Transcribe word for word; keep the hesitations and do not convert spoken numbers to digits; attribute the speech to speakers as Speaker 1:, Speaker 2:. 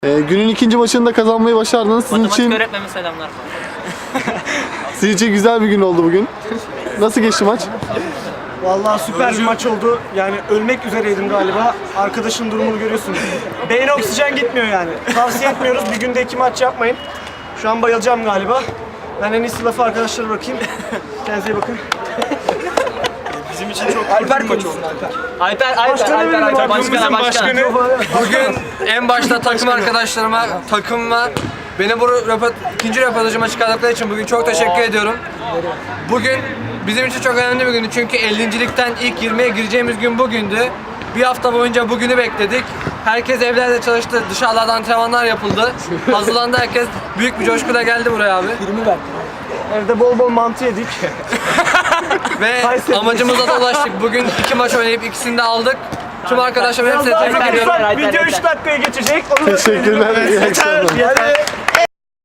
Speaker 1: Ee, günün ikinci maçını da kazanmayı başardınız. Sizin
Speaker 2: Matematik
Speaker 1: için,
Speaker 2: öğretmenime selamlar.
Speaker 1: sizin için güzel bir gün oldu bugün. Nasıl geçti maç?
Speaker 3: Vallahi süper bir maç oldu. Yani ölmek üzereydim galiba. Arkadaşın durumunu görüyorsunuz. Beyne oksijen gitmiyor yani. Tavsiye etmiyoruz. Bir günde iki maç yapmayın. Şu an bayılacağım galiba. Ben en iyisi lafı arkadaşlara bırakayım. Kendinize iyi bakın.
Speaker 4: Bizim için çok Alper bir maç oldu.
Speaker 2: Alper, Alper,
Speaker 3: Başkanı
Speaker 2: Alper,
Speaker 3: benim,
Speaker 2: Alper,
Speaker 3: takımımızın
Speaker 2: başkanı, başkanı.
Speaker 5: Bugün en başta takım arkadaşlarıma, takımıma, beni bu röport, ikinci röportajıma çıkardıkları için bugün çok teşekkür ediyorum. Bugün bizim için çok önemli bir gündü çünkü ellincilikten ilk yirmiye gireceğimiz gün bugündü. Bir hafta boyunca bugünü bekledik. Herkes evlerde çalıştı, dışarılarda antrenmanlar yapıldı. Hazırlandı herkes, büyük bir coşkuyla geldi buraya abi.
Speaker 3: Evde bol bol mantı yedik.
Speaker 5: Ve amacımıza da ulaştık. Bugün iki maç oynayıp ikisini de aldık. Tüm arkadaşlarım hepsine tebrik ediyorum.
Speaker 3: Video üç dakikaya geçecek. Onu da
Speaker 1: Teşekkürler. İyi akşamlar.
Speaker 3: Yeter.